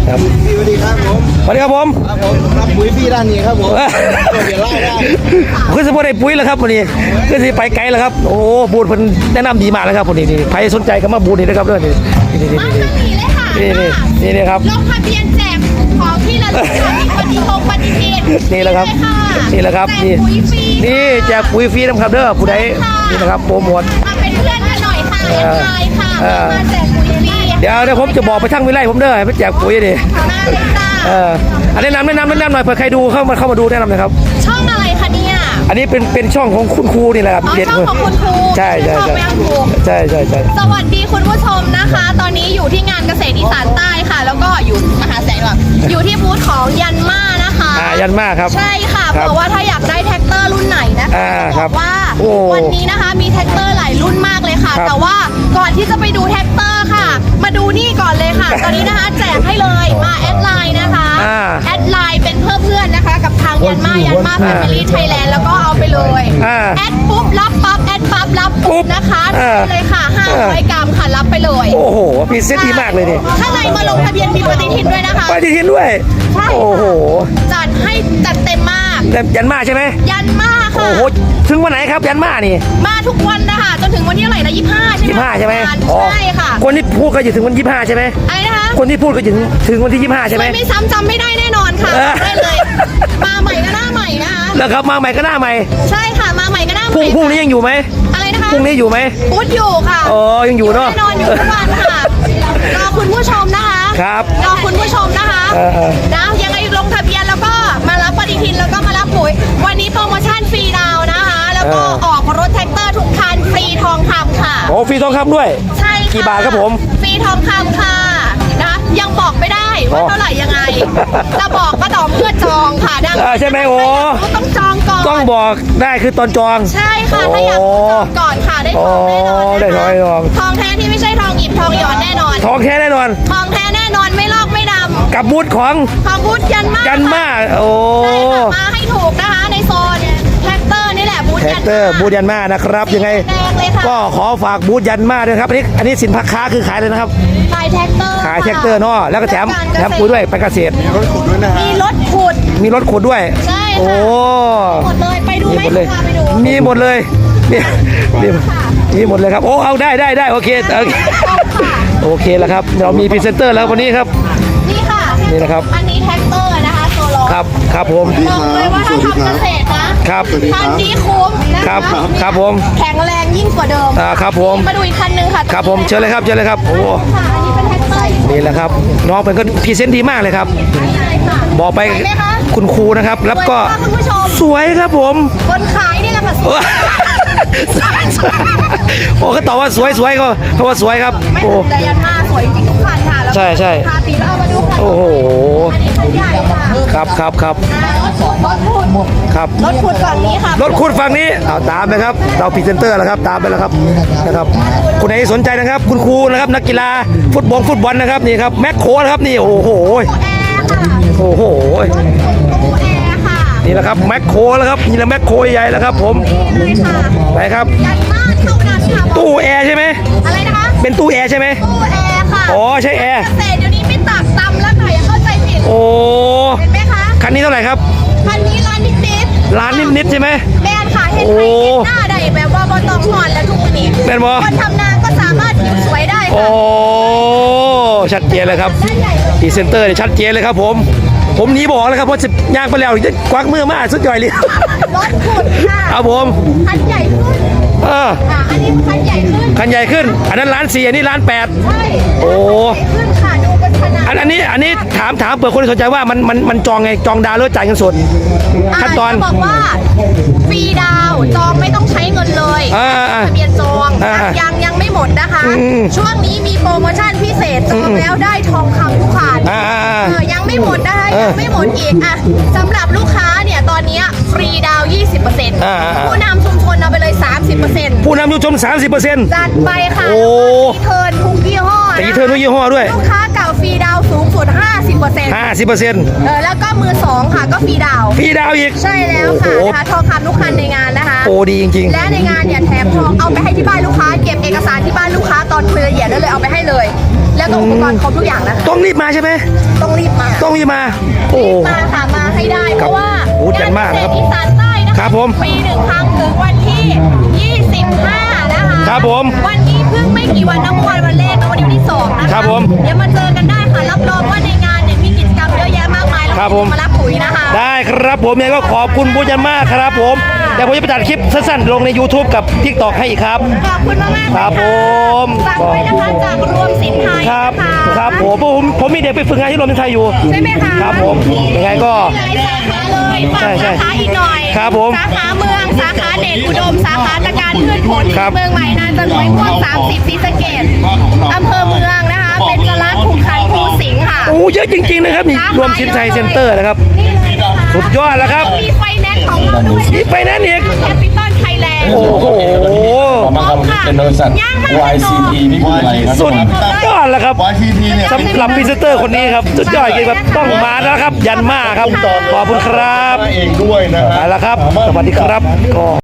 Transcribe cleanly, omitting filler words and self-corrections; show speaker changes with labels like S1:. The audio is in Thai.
S1: ครับ
S2: สวัสดีครับผม
S1: สวัสดีครับผม
S2: รับปุ๋ยพี่ด้านนี้ครับผมเดี๋ยวไล่ได้
S1: คือสมมติได้ปุ๋ยแล้วครับวันนี้คือสิไปไกลแล้วครับโอ้บูธเพิ่นแนะนำดีมากเลยครับวันนี้นี่ใครสนใจก็มาบูธนี่นะครับเรื่องนี้นี่
S3: มาสนีเลยค่ะ
S1: นี่ครับ
S3: ลงทะเบียนแจกของที่ระลึกค่ะมีปฏิทิน
S1: นี่แหละครับนี่แหละครับนี่นี่แจกปุ๋ยฟรีนะครับเด้อผู้ใดนี่นะครับโปรโมท
S3: มาเป็นเพื่อนกันหน่อยค่ะแอดไลน์ค่ะมาแจกปุ๋ยฟรี
S1: เดี๋ยวผมจะบอกไปทั้งวิไลผมเด้อให้ไปแจกปุ๋ยดิ
S3: มาเลยจ้า
S1: อันแนะนำหน่อยเผื่อใครดูเข้ามาดูแนะนำหน่อยครับ
S3: ช่องอะไรคะเนี่ย
S1: อันนี้เป็นช่องของคุณครูนี่แหละครับ
S3: อ๋อช่องของคุณครู
S1: ใช่ใช่
S3: ช่องแม่ครู
S1: ใช่
S3: สวัสดีคุณผู้ชมนะคะ ตอนนี้อยู่ที่งานเกษตรอีสานใต้ค่ะ แล้วก็อยู่มหาแสนแบบอยู่ที่บูธของยันมานะคะ
S1: ยันมาครับ
S3: ใช่ค่ะเพราะว่าถ้าอยากได้แท็กเตอร์รุ่นไหนนะคะจะบอกว่าวันนี้นะคะมีแท็กเตอร์หลายรุ่นมากเลยค่ะ แต่ว่าก่อนที่จะไปดูแท็กเตอร์ค่ะ มาดูนี่ก่อนเลยค่ะ ตอนนี้นะคะแจกให้เลยมาแอดไลน์นะคะแอดไลน์เป็นเพื่อนนะคะกับทางยันมาแฟมิลี่ไทยแลนด์แล้วก็เอาไปเลยแอดปุ๊บรับปั๊บแอดปั๊บรับปุ๊บนะคะเลยค่ะ500 กรัมค่ะรับไปเลย
S1: โอ้โหพิเศษดีมากเลยนี่
S3: ข้างในมาลงทะเบียนมีปฏิทินด้วยนะคะ
S1: ปฏิทินด้วย
S3: ใช่
S1: โอ้โห
S3: จัดให้จัดเต็มมาก
S1: ยันมาใช่ไหม
S3: ยันมา
S1: โอ้
S3: ค่ะ
S1: โหถึงวันไหนครับยันมานี่
S3: มาทุกวันนะคะจนถึงวันที่เท่าไหร่นะ25 ใช่ไหม
S1: 25ใช่ไหม
S3: ใช่ค่ะ
S1: คนที่พูดก็อยู่ถึงวัน25ใช่ไหม
S3: อะไรนะคะ
S1: คนที่พูดก็ถึงวันที่25ใช่ไหม
S3: ไม่ซ้ำจำไม่ได้แน่นอนค่ะได้เลย มาใหม่ก็หน้าใหม่นะคะ
S1: แล้วครับมาใหม่ก็หน้าใหม่
S3: ใช่ค่ะมาใหม่ก็หน้าให
S1: พ
S3: ม่
S1: รุ่งนี้ยังอยู่ไหม
S3: อะไรนะคะ
S1: พรุ่งนี้อยู่ไหม
S3: พูดอยู่ค่ะ
S1: อ๋อยังอยู่เนาะ
S3: แน่นอนอยู่ทุกวันค่ะรอคุณผู้ชมนะคะ
S1: ครับ
S3: รอคุณผู้ชมนะคะ นะยังไงลงทะเบียนแล้วก็มารับปฏิทินแล้วก็มารับปุ๋ยวันนี้โปรโมชั่นฟรีดาวนะคะ แล้วก็ออกรถแท็กเตอร์ทุกคันฟรีทองคำค่ะ
S1: โอ้ฟรีทองคำด้วย
S3: ใช่ค่ะ
S1: กี่บาทครับผม
S3: ฟรีทองคำค่ะนะยังบอกไม่ได้ว่าเท่าไหร่ยังไงจะบอกก็ต่อเมื่อจองค่ะดัง
S1: ใช่ไหมโอ้
S3: ต้องจองก่อน
S1: ต้องบอกได้คือตอนจอง
S3: ใช่ค่ะถ้าอยากจองก่อนค่ะได้ทองแน่นอนนะคะ
S1: ได้ทองแน่นอน
S3: ทองแท้ที่ไม่ใช่ทองหยิบทองหยอดแน่นอน
S1: ทองแท้แน่นอน
S3: ทองแท้แน่นอนไม่ลอกไม่ดำ
S1: กับบูธของ
S3: ของบูธยันมาก
S1: กันมาโอ้
S3: ใช่ค่ะมาให้ถูกนะคะในโซนแท็กเตอร์นี่แหละบูธ
S1: แท็
S3: ยั
S1: ก
S3: น
S1: เตอร์
S3: มา
S1: บูธยันมานะครับยังไง
S3: แดงเลยค่ะ
S1: ก็ขอฝากบูธยันมาด้วยครับอันนี้สินค้าคือขายเลยนะครับ
S3: ขายแท็กเตอร์
S1: ขายแท็กเตอร์เนาะแล้วก็แถมปุ๋ยด้วยไปเกษตร
S2: รถขุดด้วยนะฮะ
S3: มีรถขุด
S1: มีรถขุดด้วย
S3: ใช่
S1: โอ้
S3: ค่ะหมดเลยไปดู
S1: มี
S3: ไหม
S1: หมดเลย
S3: พาไปดู
S1: มีหมดเลยมีหมดเลยครับโอ้เอาได้โอเคโอเคแล้วครับเรามีพรีเซนเตอร์แล้ววันนี้ครับ
S3: นี่ค่ะ
S1: นี่นะครับ
S3: อันนี้แท็กเตอร์นะคะโซโล
S1: ครับผม
S3: บอกเลยว่าถ้าทำเกษตรนะครับ คันนี้คุ้มนะ
S1: ครั
S3: คะ
S1: บครับผม
S3: แข็งแรงยิ่งกว่าเดิม
S1: ครับผม
S3: มาดูอีกคันนึงค่ะ
S1: ครับผมเชิญเลยครับโอ้
S3: ค่ะอันนี้เป็นแท็กเตอร์
S1: นี่แหละครับน้องเป็นก็พรีเซนต์ดีมากเลยครับ บอกไป
S3: สวยไหมคะ
S1: คุณครูนะครับแล้วก็
S3: สวยมากคุณผู้ชม
S1: สวยครับผม
S3: คนขายนี่แหละค่ะสวย
S1: โอ้เขาตอบว่าสวยก็เพราะว่าสวยครับ
S3: ไม่
S1: โอ้
S3: ถึงแต่ยันมาสวยจริงทุกคันค่ะแล้ว
S1: ใช่
S3: พาปีแล้วเอามาดูคัน
S1: โอ้โห
S3: อันนี้คันใหญ่ค่ะ
S1: ครับ
S3: รถขุด
S1: ครับ
S3: รถขุดฝั่งนี้ค่ะ
S1: รถขุดฝั่งนี้เอาตามไปครับเราพรีเซนเตอร์แล้วครับตามไปแล้วครับนะครับคุณไหนสนใจนะครับคุณครูนะครับนักกีฬาฟุตบอลนะครับนี่ครับแม็กโคนะครับนี่โอ้โห
S3: แอร์ค่ะ
S1: โอ้โห
S3: ตู้แอร์ค่ะ
S1: นี่แหละครับแม็กโคแล้วครับนี่แหละแม็กโคใหญ่แล้วครับผม
S3: เลยค่ะ
S1: ไหนครับ
S3: ยันมาเท่านั้นค่ะ
S1: ตู้แอร์ใช่ไหม
S3: อะไรนะคะ
S1: เป็นตู้แอร์ใช่ไหม
S3: ตู้แอร์ค่ะ
S1: อ๋อใช่แอร์
S3: เกษตรเดี๋ยวนี้ไม่ตักตำแล้วค่ะอย่าเข้าใจผิด
S1: โอ้
S3: เห็นไหมคะ
S1: คันนี้เท่าไหร่ครับ
S3: คันนี้ร้านนิด
S1: ล้านนิดๆใช่ไหม
S3: แบรนด์ค่ะเห็นไหม
S1: โอ้
S3: เห็นหน้าได้แบบว่าบอต้องหอนแล้วทุกวันนี้
S1: แม่นบ่
S3: คนทำนาก็สามารถผิวสวยได้
S1: โอ้
S3: ค่ะ
S1: ชัดเจนเลยครับ
S3: ด้านใหญ่เลย
S1: พรีเซนเตอร์เนี่ยชัดเจนเลยครับผมหนีบอกเลยครับเพราะจะย่างไปแล้วจะควักมือมาสุดย่อยเลย
S3: รถขุดค่ะ
S1: ครับผม
S3: คันใหญ่ขึ้น อันนี้คันใหญ่ขึ้น
S1: คันใหญ่ขึ้นอันนั้นล้าน4อันนี้ล้าน8
S3: ใช่
S1: โอ้
S3: ขึ้นค่ะดูเป็นขนาด
S1: อันนี้ถามเปิดคนที่สนใจว่ามันจองไงจองดาวหรือจ่ายเงินสดขั้นตอน
S3: จะบอกว่าฟรีดาวจองไม่ต้องใช้เงินเลย ทะเบียนจองยังไม่หมดนะคะ ช่วงนี้มีโปรโมชั่นพิเศษจองแล้วได้ทองคำทุกคันยังไม่หมดนะคะยังไม่หมดอีกอ่ะสำหรับลูกค้าเนี่ยตอนนี้ฟรีดาว 20%ผู้นำชุมชนเอาไปเลย 30%
S1: ผู้นำผู้ชม 30%
S3: จัดไปค่ะ
S1: โอ้
S3: รีเทิร์นทุกยี่ห้อ
S1: แต่รีเทิร์นทุกยี่ห้อด้วย
S3: ลูกค้าเก่าฟรีดาวสูงสุด 50% แล้วก็มือ 2 ค่ะก็ฟรีดาว
S1: ฟรีดาวอีก
S3: ใช่แล้วค่ะ
S1: โอ้โห
S3: นะคะทองคำทุกคันในงานนะคะ
S1: โอ้ดีจริง
S3: และในงานเนี่ยแถมทองเอาไปให้ที่บ้านลูกค้า เก็บเอกสารที่บ้านลูกค้าตอนคุยละเอียดได้เลยเอาไปให้เลยแล้วก็อุปกรณ์ครบทุกอย่างนะคะ
S1: ต้องรีบมาใช่ไหม
S3: ต้องรีบมา
S1: ต้องรีบมาโอ้
S3: มาค่ะมาให้ได้เพราะว่า
S1: โอ้จัดมากครับ
S3: งนเกษตอีสานใต้นะคะ
S1: ครับผม
S3: ปีหนึ่งครั้งถึงวันที่ 25 นะคะ
S1: ครับผม
S3: วันนี้เพิ่งไม่กี่วันนะเมื่อวานวันแรกนะวันนี้วันที่2นะคะ
S1: ครับผม
S3: เดี๋ยวมาเจอกันได้ค่ะรับรองว่าในงานเนี่ยมีกิจกรรมเยอะแยะมากมายแล้ว
S1: ครับผม
S3: มารับปุ๋ยนะคะ
S1: ได้ครับผมยังไงก็ขอบคุณบูจันมากครับผมเดี๋ยวผมจะไปตัดคลิปสั้นๆลงใน YouTube กับ TikTok ให้อีกครับ
S3: ขอบคุณมากๆ
S1: ครับผม
S3: ฝากไว้นะคะจากรวมสินไทย
S1: ครับ
S3: นะคะ
S1: ครับผมมีเด็กไปฝึกงานที่โรงเรียนไทยอยู่
S3: ใช่ไหมคะ
S1: ครับผมยังไงก็
S3: หลายสาขาเลยฝาก
S1: ใช่
S3: สาขาอีกหน่อย
S1: ครับผม
S3: สาขาเมืองสาขาเดชอุดมสาขาตะการพืชผล
S1: ครับ
S3: เมืองใหม่นานจะรวยม่วง30ศรีสะเกษอำเภอเมืองนะคะเป็นจรัสภูคันภูสิงห์ค่ะ
S1: โอ้เยอะจริงๆนะครับนี่รวมสินชัยเซ็นเตอร์นะครับ
S3: นี่เลยนะคะ
S1: สุดยอดแล้วครับ
S3: มีไฟแนนซ์ของเราด้วย
S1: มีไฟแนนซ์อีก
S3: แคปิตอลไทยแลนด์
S1: โอ้โห
S4: มาครับเป็นบริษัท YCP พี่กุไรครับ
S1: สุดยอดแล้วครับ
S2: YTP เนี่ย
S1: สำหรับพรีเซนเตอร์คนนี้ครับสุดยอดจริงๆครับต้องมาแล้วครับยันมาครับขอบคุณครับ
S2: เองด้วยนะฮะ
S1: ไปแล้วครับ สวัสดีครับก็